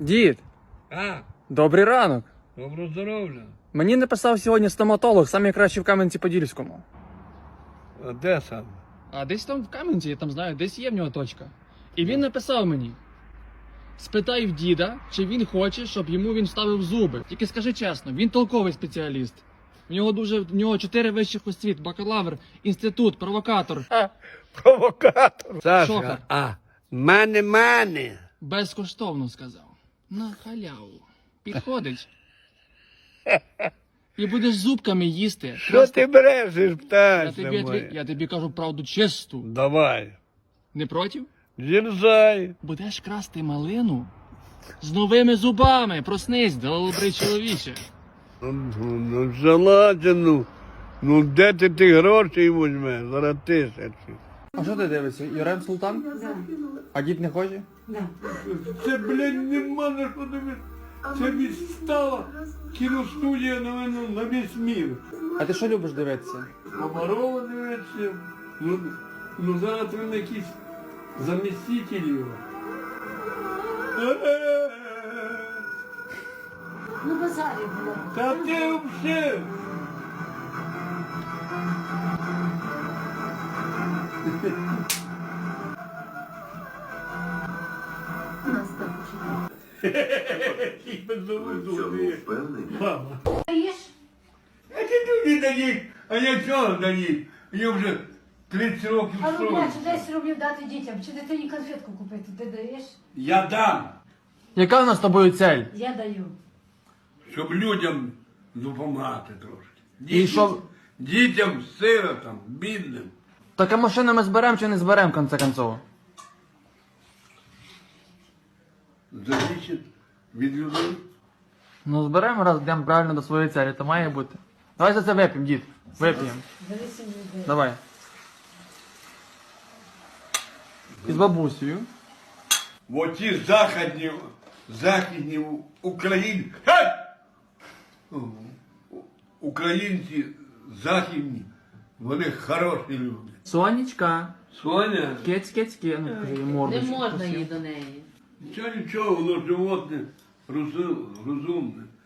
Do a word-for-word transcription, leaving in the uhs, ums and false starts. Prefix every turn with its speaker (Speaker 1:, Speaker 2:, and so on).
Speaker 1: Дід,
Speaker 2: А,
Speaker 1: добрий ранок.
Speaker 2: добро здоров'я.
Speaker 1: Мені написав сьогодні стоматолог, самий кращий в Кам'янці-Подільському.
Speaker 2: А де сам?
Speaker 1: А десь там в Кам'янці, я там знаю, десь є в нього точка. І він написав мені: спитай в діда, чи він хоче, щоб йому він вставив зуби. Тільки скажи чесно, він толковий спеціаліст. У нього дуже в нього чотири вищих освіт, бакалавр, інститут, провокатор.
Speaker 2: А, провокатор. Саша,
Speaker 1: Шока.
Speaker 2: а, мене, мене.
Speaker 1: Безкоштовно сказав. На халяву. Підходить. І будеш зубками їсти.
Speaker 2: Що ти брешеш,
Speaker 1: Я
Speaker 2: птаця
Speaker 1: тобі,
Speaker 2: моя?
Speaker 1: отві- я тобі кажу правду чисту.
Speaker 2: Давай.
Speaker 1: Не проти?
Speaker 2: Дерзай.
Speaker 1: Будеш красти малину з новими зубами. Проснись, добрий чоловіче.
Speaker 2: Ну, ну, ну, желательно. Ну, де ти ті гроші візьмеш? Зараз тисячі.
Speaker 1: А що ти дивишся? Юрем Султан?
Speaker 3: Да.
Speaker 1: А дід не хоче?
Speaker 3: Да.
Speaker 2: Це, блядь, нема на що дивитися. Це відстала кіностудія на мене на весь мір.
Speaker 1: А ти що любиш дивитися?
Speaker 2: Комарова дивиться. Ну, ну зараз він якийсь заміститель його.
Speaker 3: Ну, базарі було.
Speaker 2: Та ти взагалі.
Speaker 3: У нас так
Speaker 2: Мама.
Speaker 3: Даєш?
Speaker 2: А ти люди дають, а я чого дають? Я вже тридцять років
Speaker 3: А ну,
Speaker 2: строю.
Speaker 3: бачу, десять рублів дати дітям, чи дитині конфетку купити, ти даєш?
Speaker 2: Я дам,
Speaker 1: Яка у нас з тобою цель?
Speaker 3: Я даю.
Speaker 2: щоб людям допомагати трошки.
Speaker 1: І
Speaker 2: Дітям,
Speaker 1: що?
Speaker 2: дітям, сиротам, бідним.
Speaker 1: Так а машину ми зберемо чи не зберемо, в конце концов?
Speaker 2: Залежить від людей.
Speaker 1: Ну зберемо, раз йдемо правильно до своєї цілі, то має бути. Давай за це вип'ємо, дід. Вип'ємо.
Speaker 3: Зависимо від людей.
Speaker 1: Давай. І з бабусею.
Speaker 2: Оті західні, західні Україн... Гей! Українці західні, вони хороші люди.
Speaker 1: Сонечка.
Speaker 2: Соня,
Speaker 1: Кець, кець, кець. Ну, покажи їй
Speaker 4: Не
Speaker 1: мордочку
Speaker 4: можна
Speaker 1: красиву.
Speaker 4: їй до неї.
Speaker 2: нічого, нічого, воно животне розу- розумне.